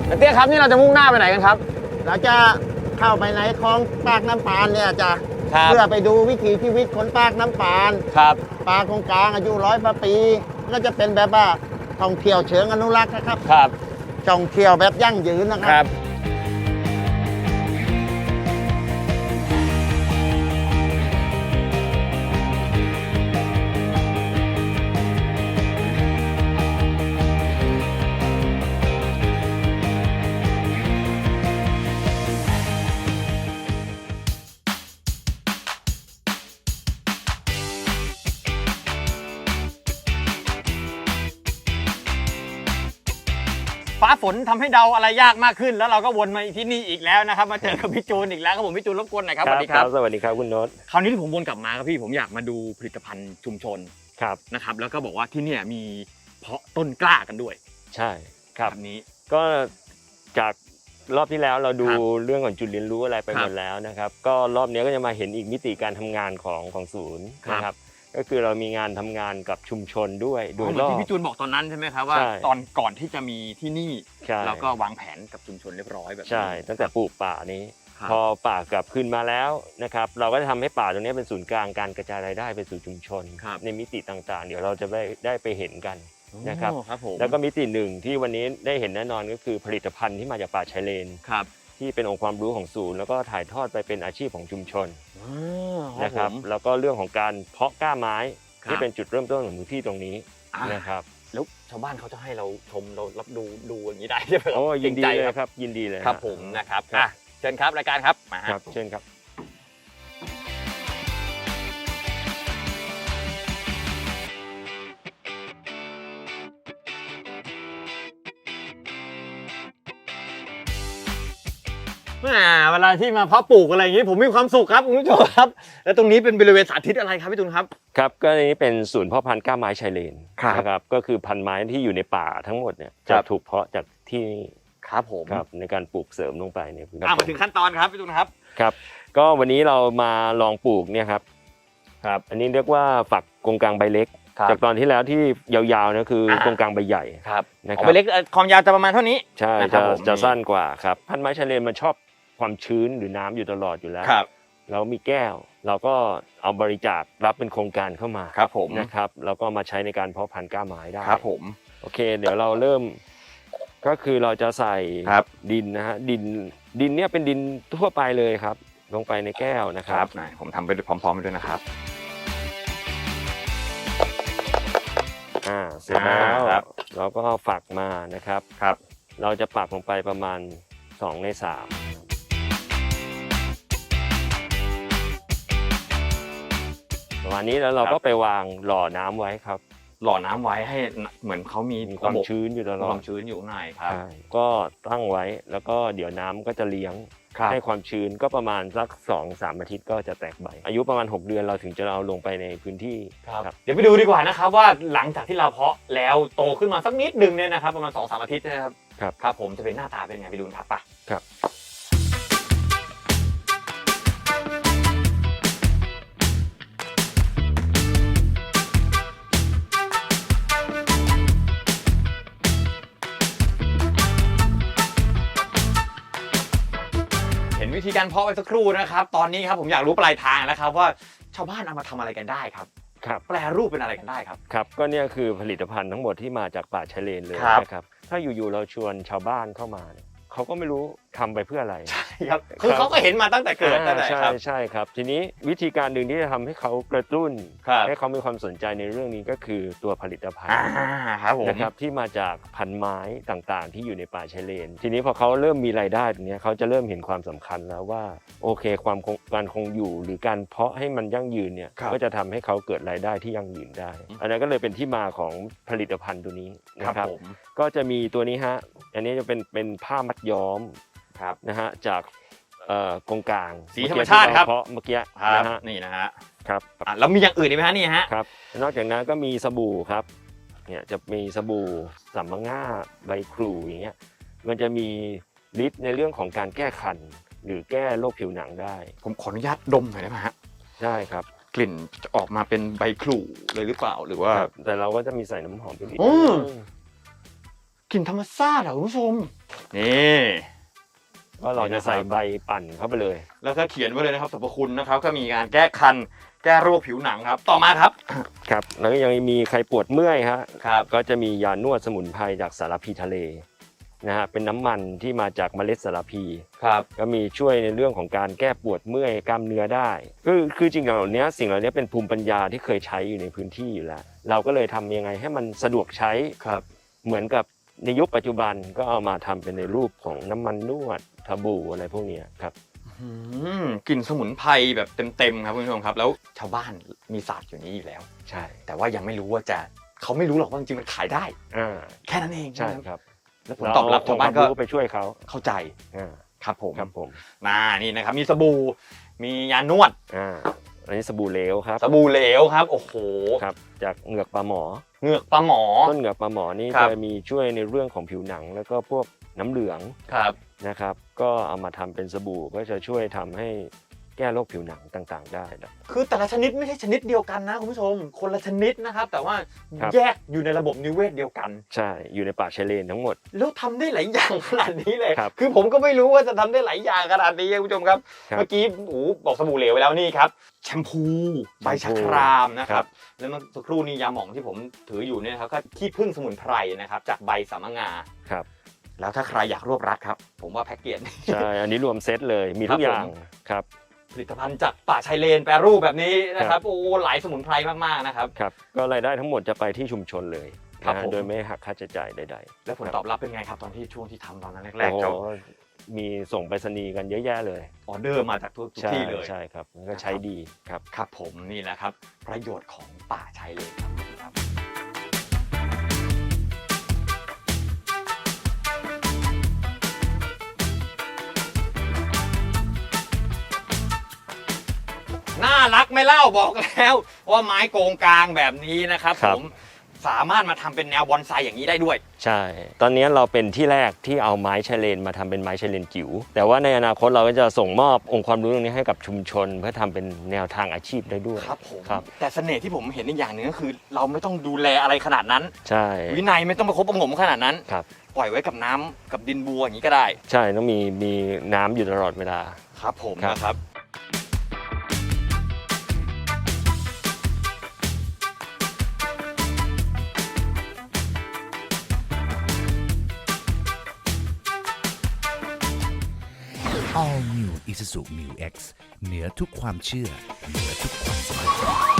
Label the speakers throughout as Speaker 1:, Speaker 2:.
Speaker 1: เตี้ยครับนี่เราจะมุ่งหน้าไปไหนกันครับ
Speaker 2: เราจะเข้าไปในคลองปากน้ำปานเนี่ยจะ
Speaker 1: เพื่
Speaker 2: อไปดูวิถีชีวิตคนปากน้ำปาน
Speaker 1: ครับ
Speaker 2: ปลาคงกลางอายุ100 ปีก็จะเป็นแบบว่าท่องเที่ยวเชิงอนุรักษ์นะครับ
Speaker 1: ครับ
Speaker 2: ท่องเที่ยวแบบยั่งยืนนะครับ
Speaker 1: ฟ้าฝนทำให้เดาอะไรยากมากขึ้นแล้วเราก็วนมาที่นี่อีกแล้วนะครับมาเจอกับพี่จูนอีกแล้วครับผมพี่จูนรบกวนหน่อยครับสวัสดีครับ
Speaker 3: สวัสดีครับคุณโน้ต
Speaker 1: คราวนี้ที่ผมวนกลับมาครับพี่ผมอยากมาดูผลิตภัณฑ์ชุมชน
Speaker 3: ครับ
Speaker 1: นะครับแล้วก็บอกว่าที่นี่มีเพาะต้นกล้ากันด้วย
Speaker 3: ใช่ครับ
Speaker 1: นี้
Speaker 3: ก็จากรอบที่แล้วเราดูเรื่องของจุดเรียนรู้อะไรไปหมดแล้วนะครับก็รอบนี้ก็จะมาเห็นอีกมิติการทำงานของศูนย์นะครับก็คือเรามีงานทำงานกับชุมชนด้วยโดยรอบ
Speaker 1: ที่พี่จูนบอกตอนนั้นใช่ไหมครับว่าตอนก่อนที่จะมีที่นี่แล้วก็วางแผนกับชุมชนเรียบร้อยแบบ
Speaker 3: ใช่ตั้งแต่ปลูกป่านี้พอป่ากลับคืนมาแล้วนะครับเราก็จะทำให้ป่าตรงนี้เป็นศูนย์กลางการกระจายรายได้ไปสู่ชุมชนในมิติต่างๆเดี๋ยวเราจะได้ไปเห็นกันนะครับแล้วก็มิติหนึ่งที่วันนี้ได้เห็นแน่นอนก็คือผลิตภัณฑ์ที่มาจากป่าชายเลนที่เป็นองค์ความรู้ของศูนย์แล้วก็ถ่ายทอดไปเป็นอาชีพของชุมชนนะครับแล้วก็เรื่องของการเพาะกล้าไม้ที่เป็นจุดเริ่มต้นของพื้นที่ตรงนี้นะครับ
Speaker 1: แล้วชาวบ้านเขาจะให้เราชมเรารับดูอย่างนี้ได้ใช่ไหมครับ
Speaker 3: โอ้ยินดีเลยครับยินดีเลย
Speaker 1: ครับผมนะครับเชิญครับรายการครับมา
Speaker 3: ครับเชิญครับ
Speaker 1: เวลาที่มาเพาะปลูกอะไรอย่างนี้ผมมีความสุขครับคุณผู้ชมครับแล้วตรงนี้เป็นบริเวณสาธิตอะไรครับพี่ตุลครับ
Speaker 3: ครับก็นี้เป็นศูนย์เพาะพันธุ์กล้าไม้ชายเลนนะครับก็คือพันธุ์ไม้ที่อยู่ในป่าทั้งหมดเนี่ยจะถูกเพาะจากที่นี่
Speaker 1: ครับผม
Speaker 3: ครับในการปลูกเสริมลงไปในพื้นที่
Speaker 1: มาถึงขั้นตอนครับพี่ตุลครับ
Speaker 3: ครับก็วันนี้เรามาลองปลูกเนี่ยครับอันนี้เรียกว่าฝักกงกลางใบเล็กจากตอนที่แล้วที่ยาวๆนะคือกงกลางใบใหญ่
Speaker 1: นะครับใบเล็กความยาวจะประมาณเท่านี้
Speaker 3: ใช่จะสั้นกว่าครับพันธุ์ไม้ชายเลนมันชอบความชื้นหรือน้ำอยู่ตลอดอยู่แล้วเรามีแก้วเราก็เอาบริจาครับเป็นโครงการเข้ามา
Speaker 1: ครับผม
Speaker 3: นะครับแล้วก็มาใช้ในการเพาะพันธุ์กล้าไม้ได้
Speaker 1: ครับผม
Speaker 3: โอเคเดี๋ยวเราเริ่มก็คือเราจะใส่ดินนะฮะดินเนี่ยเป็นดินทั่วไปเลยครับลงไปในแก้วนะครับ
Speaker 1: ผมทำไปพร้อมๆไปด้วยนะครับ
Speaker 3: เสร็จแล้วเราก็ฝักมานะครับเราจะปักลงไปประมาณ2 ใน 3ประมาณนี้แล้วเราก็ไปวางหล่อน้ำไว้ครับ
Speaker 1: หล่อน้ำไว้ให้เหมือนเขามี
Speaker 3: ความชื้นอยู่ตลอด
Speaker 1: ความชื้นอยู่ข้างในครับ
Speaker 3: ก็ตั้งไว้แล้วก็เดี๋ยวน้ำก็จะเลี้ยงให้ความชื้นก็ประมาณสัก 2-3 อาทิตย์ก็จะแตกใบอายุประมาณ6 เดือนเราถึงจะเอาลงไปในพื้นที่
Speaker 1: ครับเดี๋ยวไปดูดีกว่านะครับว่าหลังจากที่เราเพาะแล้วโตขึ้นมาสักนิดนึงเนี่ยนะครับประมาณ 2-3 อาทิตย์นะครับครับผมจะเป็นหน้าตาเป็นไงไปดูครับป่ะ
Speaker 3: ครับ
Speaker 1: วิธีการเพาะไปสักครู่นะครับตอนนี้ครับผมอยากรู้ปลายทางแล้วครับว่าชาวบ้านเอามาทำอะไรกันได้ครับแปลรูปเป็นอะไรกันได้ครับ
Speaker 3: ครับก็เนี่ยคือผลิตภัณฑ์ทั้งหมดที่มาจากป่าชายเลนเลยนะครับถ้าอยู่ๆเราชวนชาวบ้านเข้ามาเขาก็ไม่รู้ทำไปเพื่ออะไร
Speaker 1: ใช่ครับคือเขาก็เห็นมาตั้งแต่เกิดนั่นแหละครับ
Speaker 3: ใช่ครับทีนี้วิธีการหนึ่งที่จะทำให้เขากระตุ้นให้เขามีความสนใจในเรื่องนี้ก็คือตัวผลิตภัณฑ์นะครับที่มาจากพันไม้ต่างๆที่อยู่ในป่าชายเลนทีนี้พอเขาเริ่มมีรายได้ตรงนี้เขาจะเริ่มเห็นความสำคัญแล้วว่าโอเคการคงอยู่หรือการเพาะให้มันยั่งยืนเนี่ยก็จะทำให้เขาเกิดรายได้ที่ยั่งยืนได้อันนั้นก็เลยเป็นที่มาของผลิตภัณฑ์ตัวนี้นะครับก็จะมีตัวนี้ฮะอันนี้จะเป็นผ้ามัดย้อมนะฮะจากกงกลาง
Speaker 1: สีธรรมชาติครับ
Speaker 3: เพราะเมื่อกี้
Speaker 1: นะฮะนี่นะฮะ
Speaker 3: ครับ
Speaker 1: แล้วมีอย่างอื่นอีกไหมฮะนี่ฮะ
Speaker 3: ครับนอกจากนั้นก็มีสบู่ครับเนี่ยจะมีสบู่สัมมะง่าใบครูอย่างเงี้ยมันจะมีฤทธิ์ในเรื่องของการแก้คันหรือแก้โรคผิวหนังได้
Speaker 1: ผมขออนุญาตดมหน่อยได้ไหมฮะ
Speaker 3: ได้ครับ
Speaker 1: กลิ่นจะออกมาเป็นใบครูเลยหรือเปล่าหรือว่า
Speaker 3: แต่เราก็จะมีใส่น้ำหอมไปนิด
Speaker 1: กลิ่นธรรมชาติเหรอคุณผู้ชมนี่
Speaker 3: ก็เราจะใส่ใบปั่นเข้าไปเลย
Speaker 1: แล้วก็เขียนไว้เลยนะครับสรรพคุณนะครับก็มีการแก้คันแก้โรคผิวหนังครับต่อมาครับ
Speaker 3: ครับแล้วก็ยังมีใครปวดเมื่อยฮะ
Speaker 1: ครับ
Speaker 3: ก็จะมียานวดสมุนไพรจากสารพีทะเลนะฮะเป็นน้ำมันที่มาจากเมล็ดสารพี
Speaker 1: ครับ
Speaker 3: ก็มีช่วยในเรื่องของการแก้ปวดเมื่อยกล้ามเนื้อได้คือจริงๆเหล่านี้สิ่งเหล่านี้เป็นภูมิปัญญาที่เคยใช้อยู่ในพื้นที่อยู่แล้วเราก็เลยทำยังไงให้มันสะดวกใช้
Speaker 1: ครับ
Speaker 3: เหมือนกับในยุคปัจจุบันก็เอามาทำเป็นในรูปของน้ำมันนวดสบู่อะไรพวกนี้ครับ
Speaker 1: กลิ่นสมุนไพรแบบเต็มๆครับคุณผู้ชมครับแล้วชาวบ้านมีศาสตร์อยู่นี้อยู่แล้ว
Speaker 3: ใช่
Speaker 1: แต่ว่ายังไม่รู้ว่าเขาไม่รู้หรอกว่าจริงๆมันขายได้แค่นั้นเอง
Speaker 3: ใช่ครับ
Speaker 1: แล้วผมตอบรับชาวบ้านก็
Speaker 3: ไปช่วยเขา
Speaker 1: เข้าใจครับผมนี่นะครับมีสบู่มียานวด
Speaker 3: อันนี้สบู่เหลวครับ
Speaker 1: สบู่เหลวครับโอ้โห
Speaker 3: ครับจากเหงือกปลาหมอ
Speaker 1: ต้น
Speaker 3: เหงือกปลาหมอนี่จะมีช่วยในเรื่องของผิวหนังแล้วก็พวกน้ำเหลืองนะครับก็เอามาทำเป็นสบู่ก็จะช่วยทำให้แก้โรคผิวหนังต่างๆได้
Speaker 1: คือแต่ละชนิดไม่ใช่ชนิดเดียวกันนะคุณผู้ชมคนละชนิดนะครับแต่ว่าแยกอยู่ในระบบนิเวศเดียวกัน
Speaker 3: ใช่อยู่ในป่าชายเลนทั้งหมด
Speaker 1: แล้วทำได้หลายอย่างขนาดนี้เลยคือผมก็ไม่รู้ว่าจะทำได้หลายอย่างขนาดนี้คุณผู้ชมครับเมื่อกี้บอกสบู่เหลวไปแล้วนี่ครับแชมพูใบชะครามนะครับแล้วเมื่อสักครู่นี้ยาหม่องที่ผมถืออยู่เนี่ยครับก็ขี้ผึ้งสมุนไพรนะครับจากใบสามะงา
Speaker 3: ครับ
Speaker 1: แล้วถ้าใครอยากรวบรัดครับผมว่าแพ็กเกจ
Speaker 3: ใช่อันนี้รวมเซตเลยมีทุกอย่างครับ
Speaker 1: ผลิตภัณฑ์จากป่าชายเลนแปรรูปแบบนี้นะครับหลายสมุนไพรมากๆนะครับ
Speaker 3: ก็รายได้ทั้งหมดจะไปที่ชุมชนเลยโดยไม่หักค่าใช้จ่ายใด
Speaker 1: ๆแล้วผลตอบรับเป็นไงครับตอนที่ช่วงที่ทำตอนนั้นแรก
Speaker 3: ๆมีส่งไปรษณีย์กันเยอะแยะเลย
Speaker 1: ออเดอร์มาจากทุกที่เลย
Speaker 3: ใช่ครับก็ใช้ดี
Speaker 1: ครับผมนี่แหละครับประโยชน์ของป่าชายเลนครับน่ารักไม่เล่าบอกแล้วว่าไม้โกงกลางแบบนี้นะครับผมสามารถมาทำเป็นแนวบอนไซอย่างนี้ได้ด้วย
Speaker 3: ใช่ตอนนี้เราเป็นที่แรกที่เอาไม้ชายเลนมาทำเป็นไม้ชายเลนจิ๋วแต่ว่าในอนาคตเราก็จะส่งมอบองค์ความรู้ตรงนี้ให้กับชุมชนเพื่อทำเป็นแนวทางอาชีพได้ด้วย
Speaker 1: ครับผมแต่เสน่ห์ที่ผมเห็นอีกอย่างหนึ่งก็คือเราไม่ต้องดูแลอะไรขนาดนั้น
Speaker 3: ใช่
Speaker 1: วินัยไม่ต้องประคบประหงมขนาดนั้นปล่อยไว้กับน้ำกับดินบัวอย่างนี้ก็ได้
Speaker 3: ใช่ต้องมีน้ำอยู่ตลอดเวลา
Speaker 1: ครับผมนะครับ
Speaker 4: All New Isuzu Mu X เหนือทุกความเชื่อเหนือทุกความสำเร็จ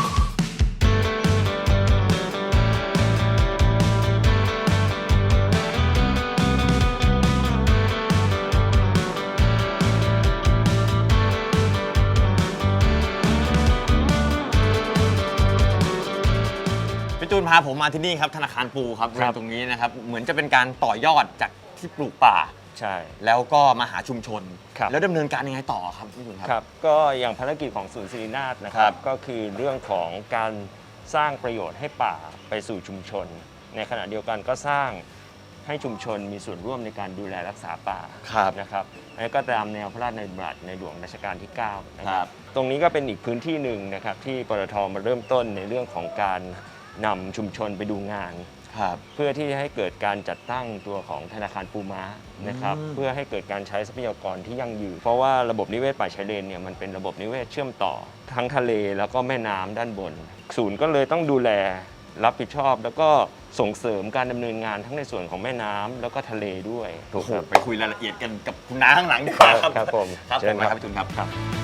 Speaker 1: พี่จูนพาผมมาที่นี่ครับธนาคารปูครับตรงนี้นะครับเหมือนจะเป็นการต่อยอดจากที่ปลูกป่า
Speaker 3: ใช่
Speaker 1: แล้วก็มาหาชุมชนแล้วดำเนินการยังไงต่อครับพี่จุน
Speaker 3: ครับก็อย่างภารกิจของศูนย์ศิรินาถนะครับก็คือเรื่องของการสร้างประโยชน์ให้ป่าไปสู่ชุมชนในขณะเดียวกันก็สร้างให้ชุมชนมีส่วนร่วมในการดูแลรักษาป่านะครับอันนี้ก็ตามแนวพระราชดำรัสในหลวงรัชกาลที่9นะครับตรงนี้ก็เป็นอีกพื้นที่หนึ่งนะครับที่ปตท.มาเริ่มต้นในเรื่องของการนำชุมชนไปดูงานเพื่อที่จะให้เกิดการจัดตั้งตัวของธนาคารปูม้านะครับเพื่อให้เกิดการใช้ทรัพยากรที่ยั่งยืนเพราะว่าระบบนิเวศป่าชายเลนเนี่ยมันเป็นระบบนิเวศเชื่อมต่อทั้งทะเลแล้วก็แม่น้ำด้านบนศูนย์ก็เลยต้องดูแลรับผิดชอบแล้วก็ส่งเสริมการดำเนินงานทั้งในส่วนของแม่น้ำแล้วก็ทะเลด้วย
Speaker 1: ถูกครับไปคุยรายละเอียดกันกับคุณน้าข้างหลังดีกว่า
Speaker 3: ครับผม
Speaker 1: ครับเชิญครับพี่จุนครับ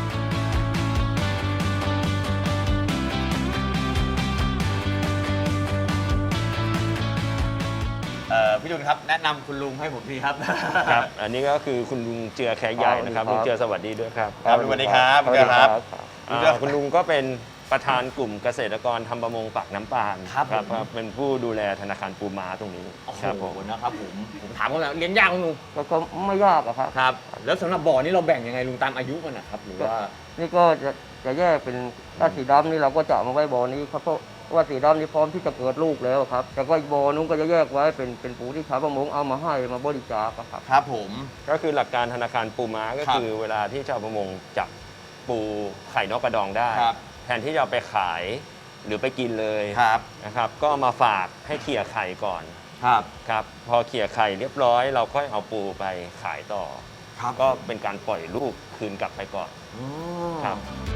Speaker 1: พี่จุนครับแนะนำคุณลุงให้ผมทีครับ
Speaker 3: ครับอันนี้ก็คือคุณลุงเจือแขกใหญ่นะครับลุงเจือสวัสดีด้วยครับ
Speaker 1: สวัสดีครับ
Speaker 3: คุณลุงก็เป็นประธานกลุ่มเกษตรกรทำประมงปากน้ำปาน
Speaker 1: ครับ
Speaker 3: เป็นผู้ดูแลธนาคารปูม้าตรงนี้
Speaker 1: ครับผมนะครับผมถามเขาแล้วเลี้ยงยากลุง
Speaker 5: ก็ไม่ยากครับ
Speaker 1: ครับแล้วสำหรับบ่อนี้เราแบ่งยังไงลุงตามอายุมันนะครับหรือว่า
Speaker 5: นี่ก็จะแยกเป็นถ้าสีดำนี่เราก็จะมาไว้บ่อนี้ครับเพราะว่าสีดำนี่พร้อมที่จะเกิดลูกแล้วครับแต่ก็บ่อนู้นก็จะแยกไว้เป็นปูที่ชาวประมงเอามาให้มาบริจาคครับ
Speaker 1: ครับผม
Speaker 3: ก็คือหลักการธนาคารปูม้าก็คือเวลาที่ชาวประมงจับปูไข่นกกระดองได้แทนที่จะเอาไปขายหรือไปกินเลยนะครับก็มาฝากให้เคลียร์ไข่ก่อนครับพอเขี่ยไข่เรียบร้อยเราค่อยเอาปูไปขายต่อ
Speaker 1: ครับ
Speaker 3: ก็เป็นการปล่อยลูกคืนกลับไปก่อนครับ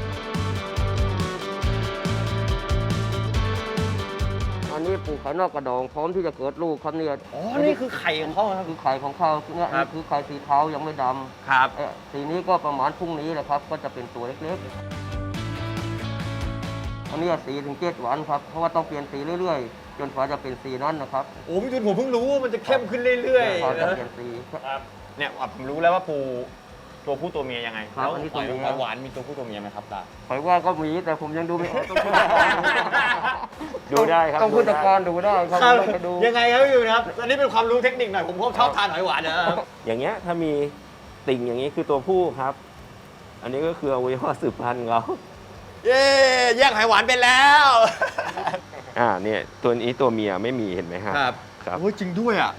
Speaker 5: อันนี้ปลูกไข่นอกกระดองพร้อมที่จะเกิดลูกครับเนี่ย
Speaker 1: อ๋อนี่คือไข่ของเขาครับ
Speaker 5: คือไข่ของเขาเนี่ย
Speaker 1: ครับ
Speaker 5: คือไข่สีเทายังไม่ด
Speaker 1: ครับ
Speaker 5: ำสีนี้ก็ประมาณพรุ่งนี้แหละครับ ก็จะเป็นตัวเล็กๆ อันนี้4 ถึง 7 วันครับ เพราะว่าต้องเปลี่ยนสีเรื่อยๆ จนกว่าจะเป็นสีนั้นนะครับ
Speaker 1: โอ้พี่จุนผมเพิ่งรู้ว่ามันจะเข้มขึ้นเรื่อย
Speaker 5: พอ
Speaker 1: ๆ
Speaker 5: จะ
Speaker 1: นะ
Speaker 5: เปลี่ยนสี
Speaker 1: ครับเนี่ยผมรู้แล้วว่าปูตัวผู้ตัวเมียยังไง
Speaker 5: ครับ
Speaker 1: แล้ว
Speaker 5: อันนี้
Speaker 1: หอย
Speaker 5: ตัวเมีย
Speaker 1: หอยหวานมีตัวผู้ตัวเมียไหมครับตา
Speaker 5: หอยว่าก็มีแต่ผมยังดูไม่ออก
Speaker 3: ดูได้ครับ
Speaker 5: ต้องผู้จัดการดูได้ครับไม่ไปดู
Speaker 1: ยังไงครับพี่จุนครับอันนี้เป็นความรู้เทคนิคหน่อยผมชอบทานหอยหวานนะครับ
Speaker 3: อย่างเงี้ยถ้ามีติ่งอย่างนี้คือตัวผู้ครับ อันนี้ก็คืออวัยวะสืบพันธุ์ของเขา
Speaker 1: เย้แยกหอยหวานเป็นแล้ว
Speaker 3: เนี่ยตัวนี้ตัวเมียไม่มีเห็นไหมครับ ครับ
Speaker 1: โอ้ยจริงด้วยอ่ะ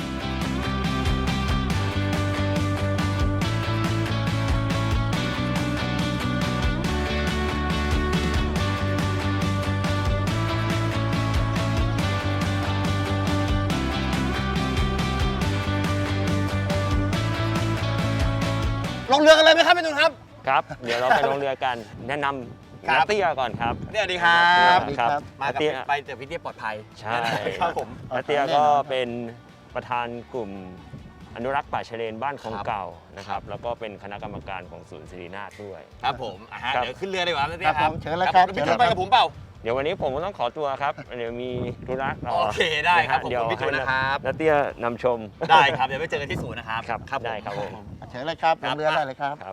Speaker 1: ลงเรือกันเลยไหมครับพี่จุนครับ
Speaker 3: ครับ เดี๋ยวเราไปลงเรือกัน แนะนำ
Speaker 1: ครับ
Speaker 3: นาเตี้ยก่อนครับ
Speaker 1: สวัสดีครับ
Speaker 3: สวัสดีครับ
Speaker 1: มากับ
Speaker 3: นาเตี้ย
Speaker 1: ไปแต่พี่เตี้ยปลอดภัย
Speaker 3: ใช่
Speaker 1: ครับผม
Speaker 3: นาเตี้ยก็เป็นประธานกลุ่มอนุรักษ์ป่าชายเลนบ้านของเก่านะครับ แล้วก็เป็นคณะกรรมการของศูนย์ศิรินาถด้วย
Speaker 1: ครับผมฮะ
Speaker 3: ครับ
Speaker 1: เดี๋ยวขึ้นเรือดีกว่าพี่เตี้ย
Speaker 2: ครับ
Speaker 1: ครับ
Speaker 2: ผมเชิญเลยครับ
Speaker 1: พี่จุนไปกับผมเปล่า
Speaker 3: เดี๋ยววันนี้ผมก็ต้องขอตัวครับ เดี๋ยวมีธุระต่อ
Speaker 1: โอเคได้ครับ
Speaker 3: นะฮะ
Speaker 1: ผม
Speaker 3: เดี๋ยว
Speaker 1: พี่จุนนะครับ
Speaker 3: นาเตี้ยนำชม
Speaker 1: ได้ครับเดี๋ยวไปเจอกันที่ศูนย์นะครับ
Speaker 3: ครับได้ครับผม
Speaker 2: เชิญเลยครับลงเรือได้เลยครับ
Speaker 3: ครับ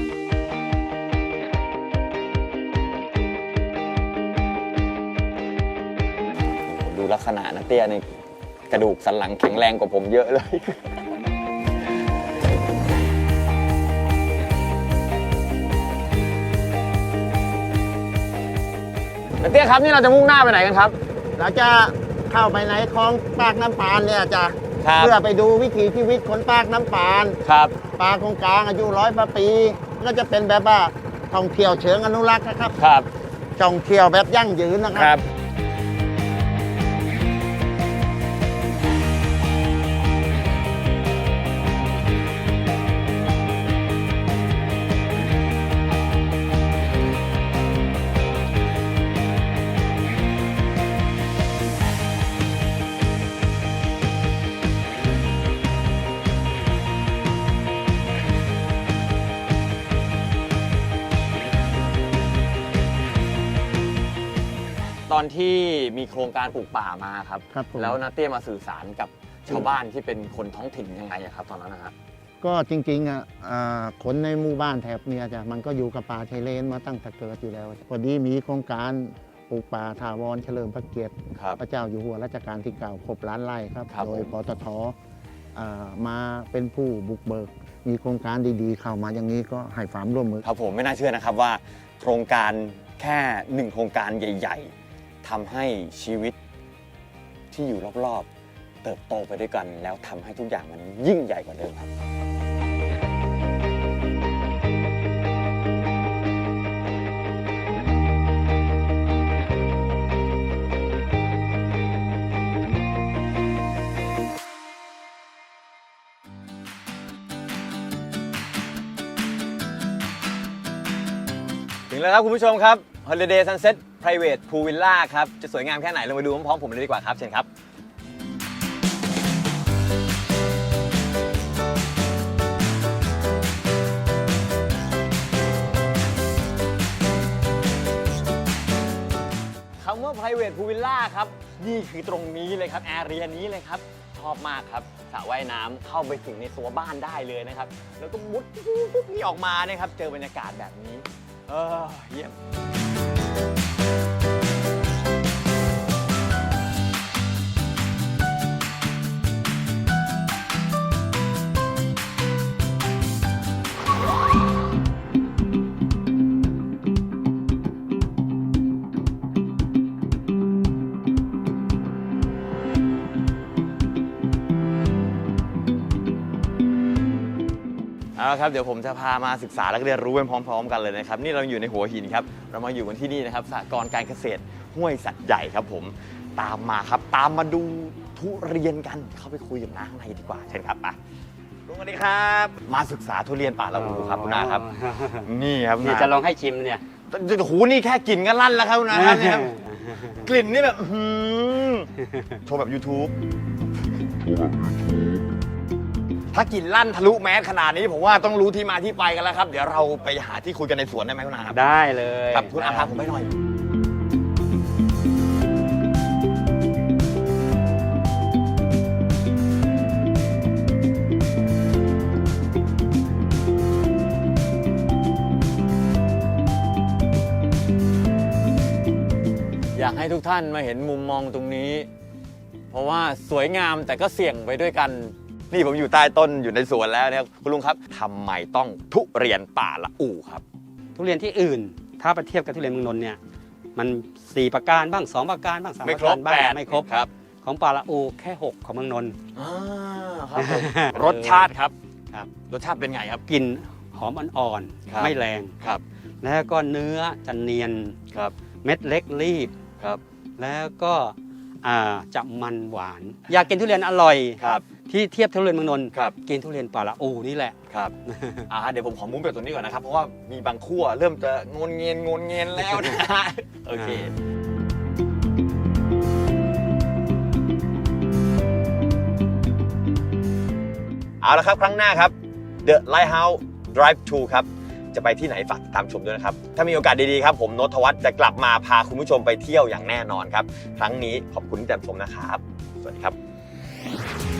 Speaker 1: ดูลักษณะนะเตี้ยในกระดูกสันหลังแข็งแรงกว่าผมเยอะเลย นะเตี้ยครับนี่เราจะมุ่งหน้าไปไหนกันครับ
Speaker 2: เราจะเข้าไปในคลองปากน้ำปานเนี่ยจะ
Speaker 1: ครับ
Speaker 2: เพื่อไปดูวิถีชีวิตคนปากน้ำปาน
Speaker 1: ครับ
Speaker 2: ปลาคงกลางอายุ100 กว่าปีก็จะเป็นแบบว่าท่องเที่ยวเชิงอนุรักษ์นะครับ
Speaker 1: ครับ
Speaker 2: ท่องเที่ยวแบบยั่งยืนนะค
Speaker 1: ครั
Speaker 2: รับ
Speaker 1: บ ตอนที่มีโครงการปลูกป่ามาครับ
Speaker 2: ครับผม
Speaker 1: แล้วนาเตี้ยมาสื่อสารกับชาวบ้านที่เป็นคนท้องถิ่นยังไงอะครับตอนนั้นนะครับ
Speaker 2: ก็จริงๆคนในหมู่บ้านแถบเนี่ยจ้ะมันก็อยู่กับป่าชายเลนมาตั้งแต่เกิดอยู่แล้วพอดีมีโครงการปลูกป่าถาวรเฉลิมพระเกียรติ
Speaker 1: ครับ
Speaker 2: พระเจ้าอยู่หัวรัชกาลที่ 9 ครบล้านไร่ครับ
Speaker 1: ครับ
Speaker 2: โดย
Speaker 1: ผม
Speaker 2: ปตทมาเป็นผู้บุกเบิก มีโครงการดีๆ เข้ามาอย่างนี้ก็ให้ความร่วมมือ
Speaker 1: ครับผมไม่น่าเชื่อนะครับว่า โครงการแค่หนึ่งโครงการใหญ่ๆทำให้ชีวิตที่อยู่รอบๆ เติบโตไปด้วยกัน แล้วทำให้ทุกอย่างมันยิ่งใหญ่กว่าเดิมครับ ถึงแล้วครับคุณผู้ชมครับ Holiday Sunset Private Pool Villa ครับ จะสวยงามแค่ไหนเรามาดูพร้อมๆผมเลยดีกว่าครับเชิญครับ คำว่า private pool villa ครับ นี่คือตรงนี้เลยครับ แอเรียนี้เลยครับ ชอบมากครับสระว่ายน้ำเข้าไปถึงในตัวบ้านได้เลยนะครับ แล้วก็มุดปุ๊บนี่ออกมานะครับ เจอบรรยากาศแบบนี้เยี่ยม เอาละครับเดี๋ยวผมจะพามาศึกษาและเรียนรู้ไปพร้อมๆกันเลยนะครับ นี่เราอยู่ในหัวหินครับเรามาอยู่กันที่นี่นะครับสหกรณ์การเกษตรห้วยสัตว์ใหญ่ครับผมตามมาครับตามมาดูทุเรียนกันเข้าไปคุยกับน้าข้างในดีกว่าเชิญครับไปลุงสวัสดีครับมาศึกษาทุเรียนป่าละอูครับคุณน้าครับนี่ครับ
Speaker 6: นี่จะลองให้ชิมเนี่ย
Speaker 1: โอ้โหนี่แค่กลิ่นก็ลั่นแล้วครับคุณน้าครับเนี่ยกลิ่นนี่แบบโชว์แบบ YouTube ถ้ากลิ่นลั่นทะลุแมสขนาดนี้ผมว่าต้องรู้ที่มาที่ไปกันแล้วครับเดี๋ยวเราไปหาที่คุยกันในสวนได้ไหมคุณน้าครับ
Speaker 6: ได้เลย
Speaker 1: ครับคุณอาพาผมไปหน่อยอยากให้ทุกท่านมาเห็นมุมมองตรงนี้ เพราะว่าสวยงามแต่ก็เสี่ยงไปด้วยกันนี่ผมอยู่ใต้ต้นอยู่ในสวนแล้วเนี่ยคุณลุงครับทำไมต้องทุเรียนป่าละอู่ครับ
Speaker 6: ทุเรียนที่อื่น ถ้าไปเทียบกับทุเรียนเมืองนนท์เนี่ยมัน4ประการบ้าง2ประการบ้าง3ประการบ้างไม่ครบ
Speaker 1: ครับ
Speaker 6: ของป่าละอูแค่6ของเมืองนนท์
Speaker 1: ครับผม รสชาติครับ
Speaker 6: ครับ
Speaker 1: รสชาติเป็นไงครับ
Speaker 6: กลิ่นหอมอ่อน
Speaker 1: ครับ
Speaker 6: ๆไม่แรง
Speaker 1: ครับ
Speaker 6: แล้วก็เนื้อจะเนียน
Speaker 1: ครับ
Speaker 6: เม็ดเล็กรีบ
Speaker 1: ครับ
Speaker 6: แล้วก็จะมันหวาน อยากกินทุเรียนอร่อย
Speaker 1: ครับ
Speaker 6: ที่เทียบทุเรียนเมืองนนท์
Speaker 1: ครับ
Speaker 6: กินทุเรียนป่าละอูนี่แหละ
Speaker 1: ครับ เดี๋ยวผมขอมุ้งแบบตรงนี้ก่อนนะครับ เพราะว่ามีบางขั้วเริ่มจะงนเงียนแล้วนะ โอเค เอาละครับครั้งหน้าครับ The Lighthouse Drive to ครับ จะไปที่ไหนฝากติดตามชมด้วยนะครับ ถ้ามีโอกาสดีๆครับ ผมโนต ธวัฒน์จะกลับมาพาคุณผู้ชมไปเที่ยวอย่างแน่นอนครับ ครั้งนี้ขอบคุณที่ติดตามชมนะครับ สวัสดีครับ